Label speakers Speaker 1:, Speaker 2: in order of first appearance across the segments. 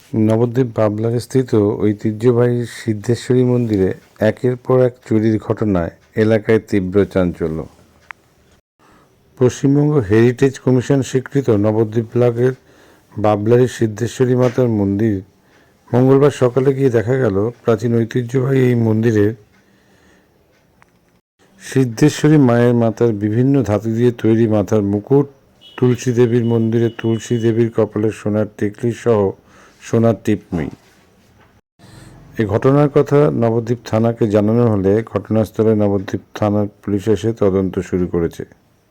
Speaker 1: নবদ্বীপ বাবলারে স্থিত ঐতিহ্যবাহী সিদ্ধেশ্বরী মন্দিরে একের পর এক চুরির ঘটনায় এলাকায় তীব্র চাঞ্চল্য। পশ্চিমবঙ্গ হেরিটেজ কমিশন স্বীকৃত নবদ্বীপ ব্লকের বাবলারি সিদ্ধেশ্বরী মাতার মন্দির মঙ্গলবার সকালে গিয়ে দেখা গেল প্রাচীন ঐতিহ্যবাহী এই মন্দিরের সিদ্ধেশ্বরী মায়ের মাথার বিভিন্ন ধাতু দিয়ে তৈরি মাথার মুকুট, তুলসী দেবীর মন্দিরে তুলসী দেবীর কপালে সোনার টিকলি সহ সোনার টিপমি। এই ঘটনার কথা নবদ্বীপ থানাকে জানানো হলে ঘটনাস্থলে নবদ্বীপ থানার পুলিশ এসে তদন্ত শুরু করেছে।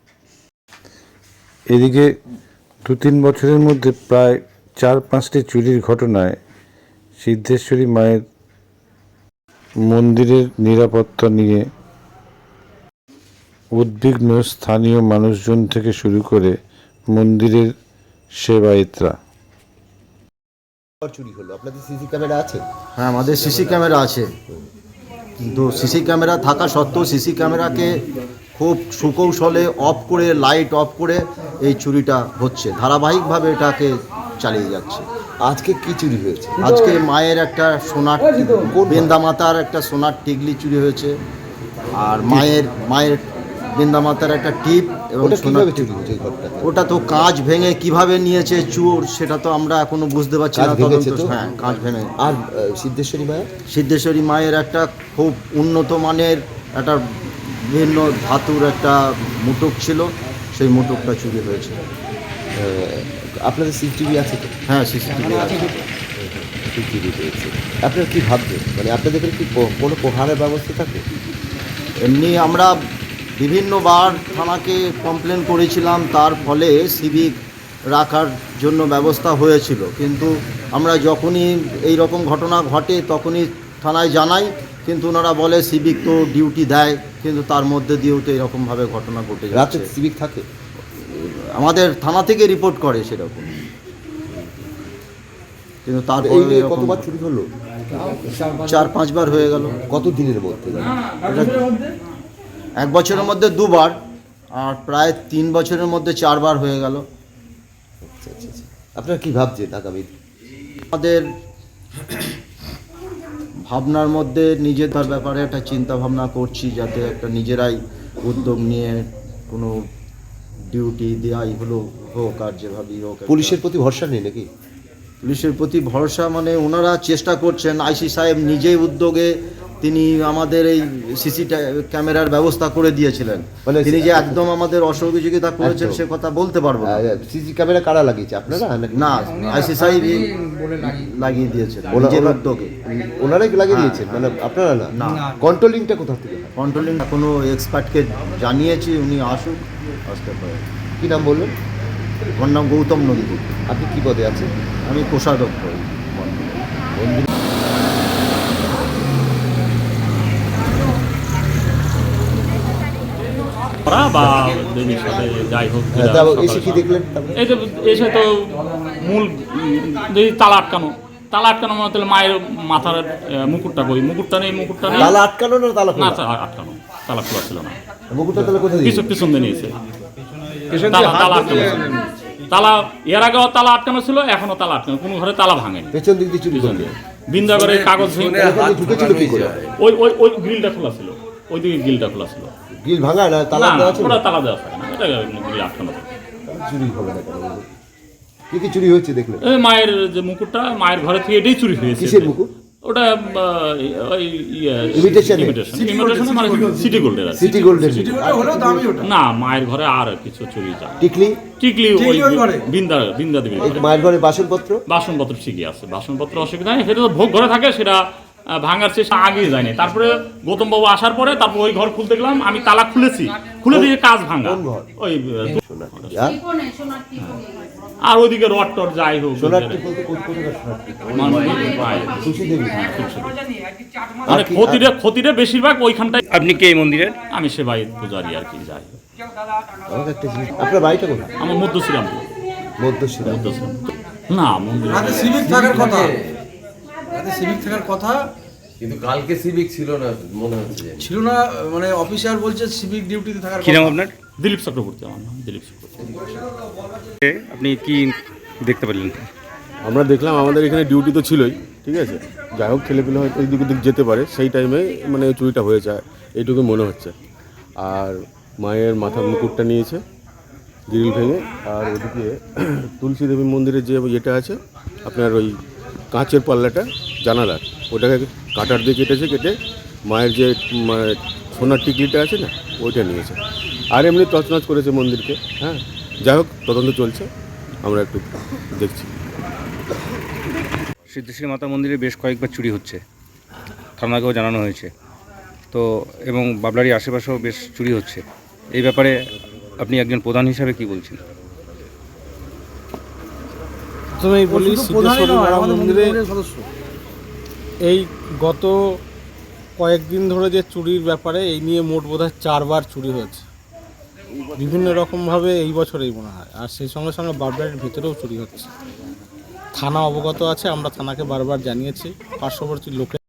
Speaker 1: এদিকে 2-3 বছরের মধ্যে প্রায় 4-5টি চুরির ঘটনায় সিদ্ধেশ্বরী মায়ের মন্দিরের নিরাপত্তা নিয়ে উদ্বিগ্ন স্থানীয় মানুষজন থেকে শুরু করে মন্দিরের সেবায়েতরা।
Speaker 2: চুরি হলো, আপনাদের সিসি ক্যামেরা আছে?
Speaker 3: হ্যাঁ, আমাদের সিসি ক্যামেরা আছে, কিন্তু সিসি ক্যামেরা থাকা সত্ত্বেও সিসি ক্যামেরাকে খুব সুকৌশলে অফ করে, লাইট অফ করে এই চুরিটা হচ্ছে, ধারাবাহিকভাবে এটাকে চালিয়ে যাচ্ছে।
Speaker 2: আজকে কি চুরি হয়েছে?
Speaker 3: আজকে মায়ের একটা সোনার বৃন্দা মাতার একটা সোনার টিকলি চুরি হয়েছে, আর মায়ের বৃন্দা মাতার একটা টিপ এবং সোনার
Speaker 2: চুরি হয়েছে।
Speaker 3: ওটা তো কাঁচ ভেঙে কিভাবে নিয়েছে চোর সেটা তো আমরা এখনো বুঝতে পারছি না। হ্যাঁ, কাঁচ ভেঙে।
Speaker 2: আর সিদ্ধেশ্বরী
Speaker 3: মায়ের একটা খুব উন্নত মানের একটা বিভিন্ন ধাতুর একটা মুটুক ছিল, সেই মুটুকটা চুরি হয়েছে।
Speaker 2: আপনাদের সিসিটিভি আছে তো?
Speaker 3: হ্যাঁ, সিসিটিভি আছে।
Speaker 2: চুরি হয়েছে, আপনারা কি ভাবছেন? মানে আপনাদের কি কোনো প্রহারের ব্যবস্থা থাকে?
Speaker 3: এমনি আমরা বিভিন্নবার থানাকে কমপ্লেন করেছিলাম, তার ফলে সিভিক রাখার জন্য ব্যবস্থা হয়েছিল, কিন্তু আমরা যখনই এই রকম ঘটনা ঘটে তখনই থানায় জানাই, কিন্তু ওনারা বলে সিভিক তো ডিউটি দেয়, কিন্তু তার মধ্যে দিয়েও তো এরকমভাবে ঘটনা ঘটে
Speaker 2: রাতে
Speaker 3: যাচ্ছে।
Speaker 2: সিভিক থাকে?
Speaker 3: আমাদের থানা থেকে রিপোর্ট করে সেরকম, কিন্তু তারপরে
Speaker 2: কতবার চুরি হলো?
Speaker 3: 4-5 বার হয়ে গেল।
Speaker 2: কত দিনের মধ্যে?
Speaker 3: এটা 1 বছরের মধ্যে 2 বার, আর প্রায় 3 বছরের মধ্যে 4 বার হয়ে গেল।
Speaker 2: আচ্ছা। আপনারা কি ভাবছেন আগামী?
Speaker 3: আমাদের ভাবনার মধ্যে নিজেদের ব্যাপারে একটা চিন্তা ভাবনা করছি, যাতে একটা নিজেরাই উদ্যোগ নিয়ে কোনো ডিউটি দেওয়াই হোক, আর যেভাবেই হোক।
Speaker 2: পুলিশের প্রতি ভরসা নেই নাকি?
Speaker 3: পুলিশের প্রতি ভরসা মানে ওনারা চেষ্টা করছেন, আইসি সাহেব নিজেই উদ্যোগে তিনি আমাদের এই সিসি ক্যামেরার ব্যবস্থা করে দিয়েছিলেন। তিনি যে একদম আমাদের অসহযোগিতা করেছেন সে কথা বলতে পারবো না।
Speaker 2: সিসি ক্যামেরা কারা লাগিয়েছে, আপনারা?
Speaker 3: না, আইসি সাহেব লাগিয়ে দিয়েছেন নিজের উদ্যোগে।
Speaker 2: ওনারাই লাগিয়ে দিয়েছেন, মানে আপনারা না? কন্ট্রোলিংটা কোথা থেকে?
Speaker 3: কন্ট্রোলিং কোনো এক্সপার্টকে জানিয়েছি, উনি আসুক, আসতে পারে।
Speaker 2: কী নাম বললেন?
Speaker 3: আমার নাম গৌতম নন্দী।
Speaker 2: আপনি কী পদে আছেন?
Speaker 3: আমি কোষাধ্যক্ষ।
Speaker 4: বা দেবীর সাথে যাই হোক,
Speaker 2: এসে কি দেখলেন?
Speaker 4: এই তো এসে তো মূল যদি তালা আটকানো মানে তাহলে মায়ের মাথার মুকুটটা কই, মুকুটটা নেই।
Speaker 2: তালা আটকানো না তালা খোলা?
Speaker 4: না, আটকানো, তালা খোলা ছিল না।
Speaker 2: মুকুটটা তাহলে কোথায়?
Speaker 4: পিছন দিয়ে নিয়েছে। তালা আটকানো, তালা এর আগেও তালা আটকানো ছিল, এখনো তালা আটকানো, কোনো ঘরে তালা ভাঙেনি।
Speaker 2: পেছন দিক দিয়ে চুরি করবে?
Speaker 4: বিন্দাগরের কাগজ
Speaker 2: ঢুকেছিল কি করে?
Speaker 4: ওই গ্রিলটা খোলা ছিল, ওই দিকে গ্রিলটা খোলা ছিল।
Speaker 2: গ্রিল ভাঙা না তালা দেওয়া ছিল?
Speaker 4: ওটা তালা দেওয়া থাকে না, এটা গ্রিল আটকানো থাকে।
Speaker 2: চুরি হবে না কেন? কি চুরি হয়েছে দেখলেন?
Speaker 4: মায়ের যে মুকুটটা, মায়ের ঘরে থেকে এটাই চুরি হয়েছে।
Speaker 2: কিসের মুকুট?
Speaker 4: ওটা
Speaker 2: ইমিটেশন
Speaker 4: মানে সিটি গোল্ডের।
Speaker 2: সিটি গোল্ডের
Speaker 4: না, মায়ের ঘরে আর কিছু চুরি যায়।
Speaker 2: টিকলি
Speaker 4: ওই বিন্দা দেবী
Speaker 2: মায়ের ঘরে বাসনপত্র
Speaker 4: ঠিকই আছে, বাসনপত্র অসুবিধা নেই, সেটা তো ভোগ ঘরে থাকে, সেটা ভাঙার চেষ্টা আগেই যায়নি। তারপরে গৌতম বাবু আসার পরে তারপর ওই ঘর খুলতে গেলাম, আমি তালা খুলে দিয়ে কাজ ভাঙা। ওই আর ওইদিকে রড টড যাই হোক, মানে ক্ষতিটা বেশিরভাগ ওইখানটায়।
Speaker 5: আপনি কে এই মন্দিরের?
Speaker 4: আমি সেবাই পূজারি আর কি, যাই।
Speaker 2: আপনার বাড়িটা কোথায়?
Speaker 4: আমার মধ্যশ্রীরাম। না, মন্দির
Speaker 6: সিভিক থাকার কথা,
Speaker 7: কিন্তু কালকে সিভিক ছিল না মনে হচ্ছে।
Speaker 6: ছিল না মানে অফিসার বলছে সিভিক ডিউটিতে থাকার
Speaker 5: কি নাম আপনার?
Speaker 4: দিলীপ চক্রবর্তী। আমার নাম দিলীপ চক্রবর্তী।
Speaker 5: আপনি কি দেখতে পেলেন? আমরা দেখলাম আমাদের এখানে ডিউটি তো ছিলই, ঠিক আছে, যাই হোক ছেলেপিলে হয়তো এদিক ওদিক যেতে পারে, সেই টাইমে মানে চুরিটা হয়েছে এইটুকু মনে হচ্ছে। আর মায়ের মাথার মুকুটটা নিয়েছে গ্রিল ভেঙে। আর ওদিকে তুলসী দেবী মন্দিরের যে ইয়েটা আছে আপনার ওই কাঁচের পাল্লাটা জানালার, ওটাকে কাটার দিয়ে কেটেছে, কেটে মায়ের যে সোনার টিকলিটা আছে না ওইটা নিয়েছে। আর এমনি তছনছ করেছে মন্দিরকে। হ্যাঁ, যাই হোক তদন্ত চলছে, আমরা একটু দেখছি।
Speaker 8: সিদ্ধেশ্বরী মাতা মন্দিরে বেশ কয়েকবার চুরি হচ্ছে, থানাকেও জানানো হয়েছে তো, এবং বাবলারির আশেপাশেও বেশ চুরি হচ্ছে। এই ব্যাপারে আপনি একজন প্রধান হিসাবে কি বলছেন?
Speaker 9: প্রথমেই বলি,
Speaker 6: শুধু প্রধানই
Speaker 9: সিদ্ধেশ্বরী
Speaker 6: নয়,
Speaker 9: মাতা
Speaker 6: আমাদের
Speaker 9: মন্দিরে
Speaker 6: মন্দিরের সদস্য।
Speaker 9: এই গত কয়েকদিন ধরে যে চুরির ব্যাপারে এই নিয়ে মোট বোধহয় 4বার চুরি হয়েছে বিভিন্ন রকমভাবে, এই বছরেই মনে হয়। আর সেই সঙ্গে সঙ্গে বাবলারির ভিতরেও চুরি হচ্ছে। থানা অবগত আছে, আমরা থানাকে বারবার জানিয়েছি, পার্শ্ববর্তী লোকে